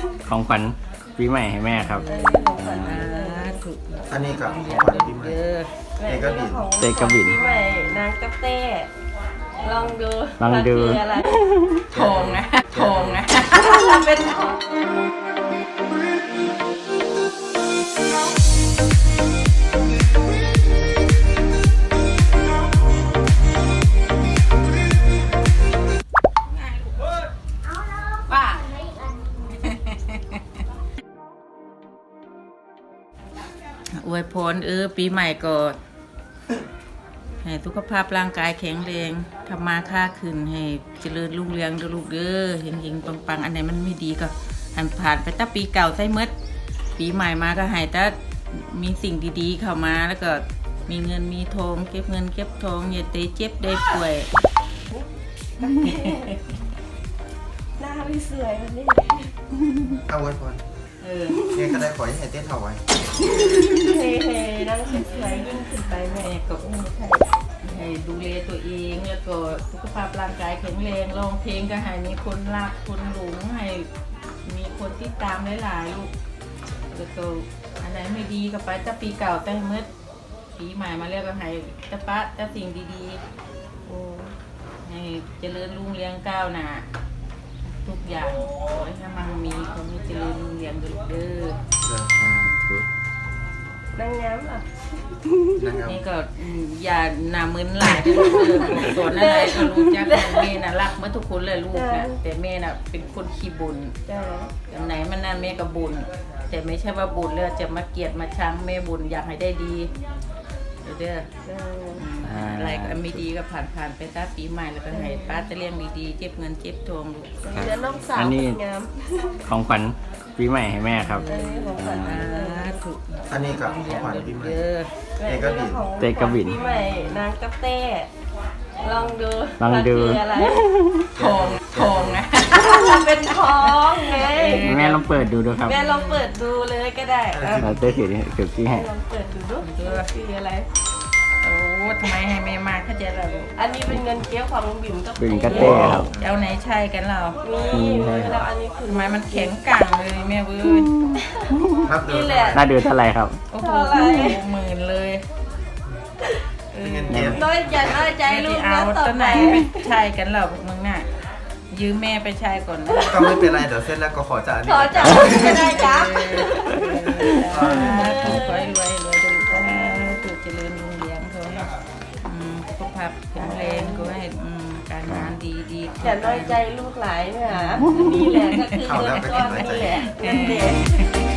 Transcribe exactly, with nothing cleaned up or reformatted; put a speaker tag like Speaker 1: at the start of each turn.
Speaker 1: ของขวัญปีใหม่ให้แม่ครับ
Speaker 2: อันนี้กับของขวัญปีใหม่เอกบิน
Speaker 1: เตกระบิน
Speaker 3: ปีใหม่นางกระเต้ลองดู
Speaker 1: ลองดู
Speaker 3: มันคืออะไร
Speaker 4: ทองนะทองนะ
Speaker 3: เป็นทอง
Speaker 4: ว่าอวยพรเออปีใหม่ก็ให้สุขภาพร่างกายแข็งแรงทำมาค้าขึ้นให้เจริญรุ่งเรืองเด้อลูกเด้อเฮงๆปังๆอันไหนมันไม่ดีก็ให้ผ่านไปตั้งปีเก่าใส่เมดปีใหม่มาก็ให้แต่มีสิ่งดีๆเข้ามาแล้วก็มีเงินมีทองเก็บเงินเก็บทองอย่าเตะเจ็บได้ป่วย
Speaker 3: หน้าไม่สวยวันนี้
Speaker 2: เอาไว้ก่อน
Speaker 4: เออ
Speaker 2: เนี่ยก็ได้ขอให้เต้นเอาไว้
Speaker 3: เฮ้เฮ้นั่งสวยๆยิ่งขึ้นไปแม่
Speaker 4: แม่ก็ให้ให้ดูแลตัวเองแล้วก็สุขภาพร่างกายแข็งแรงร้องเพลงก็ให้มีคนรักคนหลงให้มีคนติดตามหลายๆลูกแล้วก็อันไหนไม่ดีก็ไปจะปีเก่าแต่เมื่อปีใหม่มาเรียกก็ให้จะปะจะสิ่งดีๆโอ้ให้เจริญรุ่งเรืองก้าวหน้าทุกอย่างขอให้มันมีความเจริญรุ่งเรืองเด้อ
Speaker 3: นางงามเหรอ
Speaker 2: นะครับ
Speaker 4: นี่ก็อืมอย่าหนามึนหลายเด้อลูกเด้อสอนอะไรก็รู้จักกันแม่น่ะรักเมื่อทุกคนเลยลูกนะแต่แม่น่ะเป็นคนขี้บุญ
Speaker 3: จ้า
Speaker 4: อันไหนมันนั่นแม่ก็บุญแต่ไม่ใช่ว่าบุญแล้วจะมาเกลียดมาชังแม่บุญอยากให้ได้ดีเด้อเด้อ
Speaker 3: จ้า
Speaker 4: อืมอะไรก็ไม่ดีก็ผ่านผ่านๆไปซะปีใหม่แล้วก็ให้ป้าจะเลี้ยงดีๆเจ็บเงินเจ็บทองลูก
Speaker 3: เดี๋ยวน้องสาว
Speaker 1: อันนี้
Speaker 3: งาม
Speaker 1: ของขวัญปีใหม่ให้แม่ครับ
Speaker 3: เออของขวัญ
Speaker 4: อ่าถูก
Speaker 2: อันนี้กับของขวัญปีใหม่
Speaker 4: เด้อ
Speaker 3: แม่
Speaker 2: เอกบิน
Speaker 3: ของ
Speaker 1: เตกระบิน
Speaker 3: ปีใหม่นางกระเต้ลองดู
Speaker 1: ลองดู
Speaker 3: มันคืออะไร
Speaker 4: ทองทองนะ
Speaker 3: เป็นทองไง
Speaker 1: แม่ลองเปิดดูดูครับ
Speaker 3: แม่ลองเปิดดูเลยก็ได้เออ
Speaker 1: เราเต้ถือถือที่ให้
Speaker 3: ลองเปิดดูดูคืออะไร
Speaker 4: โอ้ทำไมให้แม่มาเข้าใจแล้วลูก
Speaker 3: อันนี้เป็นเงินเกี้ยวของลุงบิ่มกับ
Speaker 1: เป็นกระเต้ครับ
Speaker 4: เอาไหนใช่กันเรา
Speaker 3: นี่แล้วอันนี้คือ
Speaker 4: ทำไมมันแข็งกังเลยแม่เว้ย
Speaker 2: ครับเดิ
Speaker 3: นี่
Speaker 2: น
Speaker 3: แหละ
Speaker 1: น่าดูเท่าไหร่ครับ
Speaker 4: โอ้โหหมื่นเลยเออ
Speaker 2: เงินเก็บ
Speaker 3: น้อยอย่าน้อยใจ
Speaker 4: ใจ
Speaker 3: ลู
Speaker 4: ลู
Speaker 3: ก
Speaker 4: กเอา
Speaker 3: นะต่อ
Speaker 4: ตัวไห
Speaker 3: ไป
Speaker 4: นไปใช่กันเหรอพวกมึงน่ะยืมแม่ไปใช้ก่อนนะ
Speaker 2: ก็ไม่เป็นไรเดี๋ยวเสร็จแล้วก็ขอจ่ายอัน
Speaker 3: ข
Speaker 2: นี้
Speaker 3: อจับจะได้จ้า
Speaker 4: ขอให้รวยรวยดูก็ให้ถูกเจริญรุ่งเรืองเขาให้อืมสุขภาพแข็งแรงก็ให้อืมการงานดีดี
Speaker 3: อย่าน้อยใจลูกหลายนะนี่แหละก็คือเงินก้อนนี่แหละเงินเด็ก